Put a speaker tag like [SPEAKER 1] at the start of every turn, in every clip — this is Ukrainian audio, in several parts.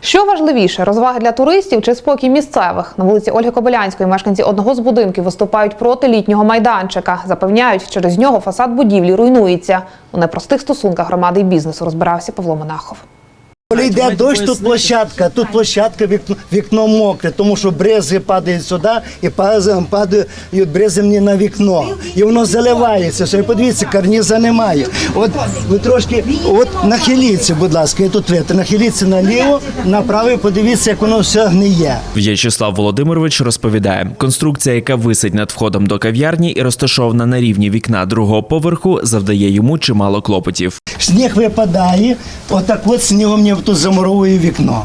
[SPEAKER 1] Що важливіше – розваги для туристів чи спокій місцевих? На вулиці Ольги Кобилянської мешканці одного з будинків виступають проти літнього майданчика. Запевняють, через нього фасад будівлі руйнується. У непростих стосунках громади і бізнесу розбирався Павло Монахов.
[SPEAKER 2] Коли йде дощ, тут площадка, вікно мокре, тому що брези падають сюди і падають брези мені на вікно. І воно заливається, все. І подивіться, карніза немає. От ви трошки, нахиліться, будь ласка, тут вітер, нахиліться наліво, направо і подивіться, як воно все гниє.
[SPEAKER 3] В'ячеслав Володимирович розповідає, конструкція, яка висить над входом до кав'ярні і розташована на рівні вікна другого поверху, завдає йому чимало клопотів.
[SPEAKER 2] Сніг випадає, отак от снігом мені тут замуровує вікно.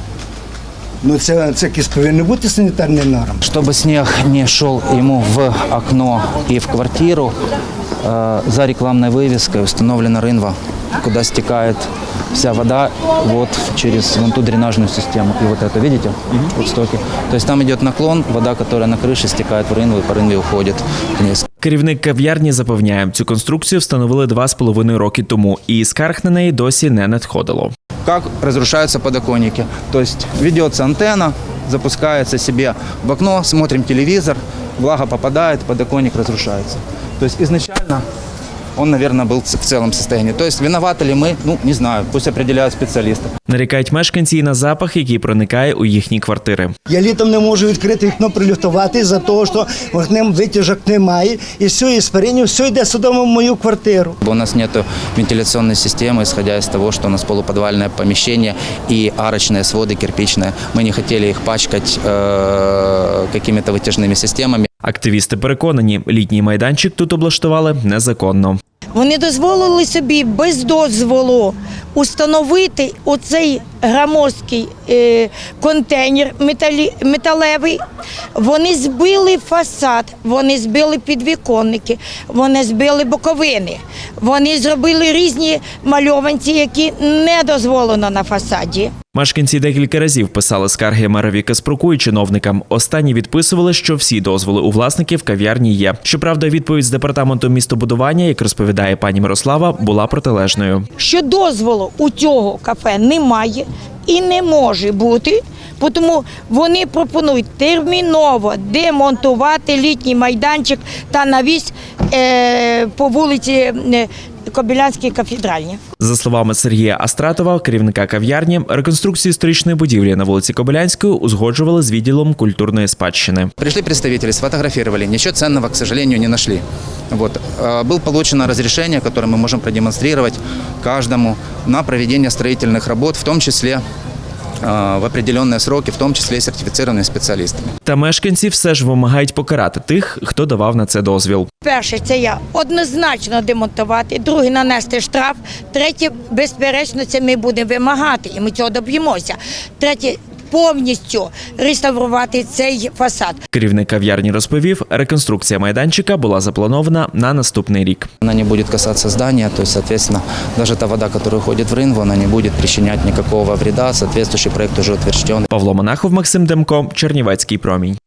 [SPEAKER 2] Ну це якісь повинні бути санітарні норми.
[SPEAKER 4] Чтобы снег не шел ему в окно и в квартиру, за рекламной вывеской установлена рынва, куда стекает вся вода вот через вон ту дренажную систему. И вот это, видите, вот стоки. То есть там идет наклон, вода, которая на крыше, стекает в рынву и по рынве уходит вниз.
[SPEAKER 3] Керівник кав'ярні запевняє, цю конструкцію встановили 2,5 роки тому, і скарг на неї досі не надходило.
[SPEAKER 4] Как разрушаются подоконники. То есть ведется антенна, запускается себе в окно, смотрим телевизор, влага попадает, подоконник разрушается. То есть изначально он, наверное, был в целом состоянии. То есть виноваты ли мы, ну, не знаю, пусть определяют специалисты.
[SPEAKER 3] Нарікають мешканці і на запах, який проникає у їхні квартири.
[SPEAKER 2] Я літом не можу відкрити вікно, прилюфтувати за того, що вогнем витяжок немає. І все, і спаріння, все йде сюди в мою квартиру.
[SPEAKER 4] У нас нет вентиляционной системы, исходя из того, что у нас полуподвальное помещение и арочные своды кирпичные. Мы не хотели их пачкать какими-то вытяжными системами.
[SPEAKER 3] Активісти переконані, літній майданчик тут облаштували незаконно.
[SPEAKER 5] Вони дозволили собі без дозволу установити оцей громоздкий контейнер металевий. Вони збили фасад, вони збили підвіконники, вони збили боковини. Вони зробили різні мальованці, які не дозволено на фасаді.
[SPEAKER 3] Мешканці декілька разів писали скарги мерові Каспруку і чиновникам. Останні відписували, що всі дозволи у власників кав'ярні є. Щоправда, відповідь з департаменту містобудування, як розповідає пані Мирослава, була протилежною.
[SPEAKER 5] Що дозволу у цього кафе немає і не може бути, тому вони пропонують терміново демонтувати літній майданчик та навіс по вулиці Кобилянській кафедральній.
[SPEAKER 3] За словами Сергія Астратова, керівника кав'ярні, реконструкцію історичної будівлі на вулиці Кобилянської узгоджували з відділом культурної спадщини.
[SPEAKER 4] Пришли представители, сфотографировали, ничего ценного, к сожалению, не нашли. Вот. Было получено разрешение, которое мы можем продемонстрировать каждому на проведение строительных работ, в том числе в определенные сроки, в тому числі сертифіцированими спеціалістами.
[SPEAKER 3] Та мешканці все ж вимагають покарати тих, хто давав на це дозвіл.
[SPEAKER 5] Перше, це я однозначно демонтувати, друге, нанести штраф, третє, безперечно, це ми будемо вимагати, і ми цього доб'ємося. Третє, повністю реставрувати цей фасад.
[SPEAKER 3] Керівник кав'ярні розповів, реконструкція майданчика була запланована на наступний рік.
[SPEAKER 4] Вона не буде касатися здання, то есть, соответственно, даже та вода, яка входить в ринву, вона не буде причиняти ніякого вреда, соответствующий проект уже утвержден.
[SPEAKER 3] Павло Монахов, Максим Демко, Чернівецький промінь.